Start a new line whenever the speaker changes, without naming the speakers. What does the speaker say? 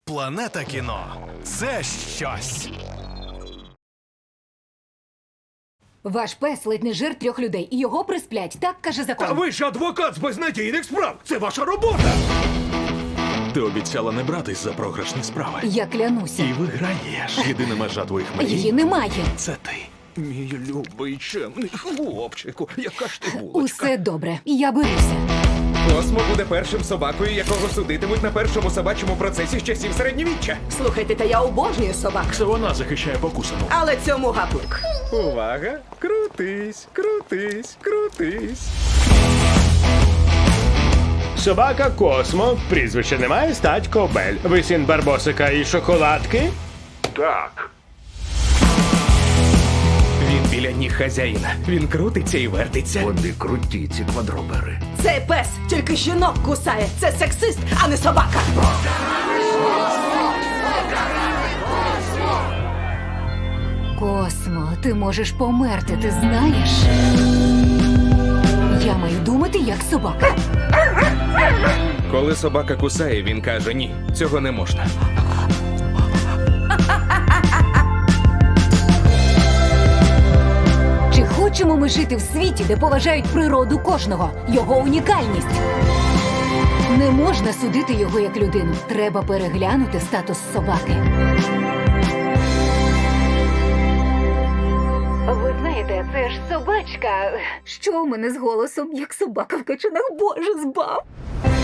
Планета кіно – це щось.
Ваш пес ледь не жир 3 людей, і його присплять, так каже закон.
Та ви ж адвокат з безнадійних справ! Це ваша робота!
Ти обіцяла не братись за програшні справи.
Я клянуся.
І виграєш. Єдина межа твоїх мрій
Її немає.
– це ти.
Мій любий чемний хлопчику, яка ж ти булочка.
Усе добре, я беруся.
Космо буде першим собакою, якого судитимуть на першому собачому процесі з часів середньовіччя.
Слухайте, та я обожнюю собак,
Це вона захищає покусану.
але цьому гаплик.
Увага! Крутись, крутись, крутись.
Собака Космо, прізвище немає, стать Кобель. Ви син Барбосика і шоколадки?
Так. Він біля ніг хазяїна. Він крутиться і вертиться.
Вони круті, ці квадробери.
Цей пес тільки жінок кусає. Це сексист, а не собака.
Космо, ти можеш померти, ти знаєш? Я маю думати, як собака.
Коли собака кусає, він каже: ні, цього не можна.
Чи хочемо ми жити в світі, де поважають природу кожного, його унікальність? Не можна судити його як людину. Треба переглянути статус собаки. Ви знаєте, це ж собачка. Що у мене з голосом, як собака в качанах? Боже, збав!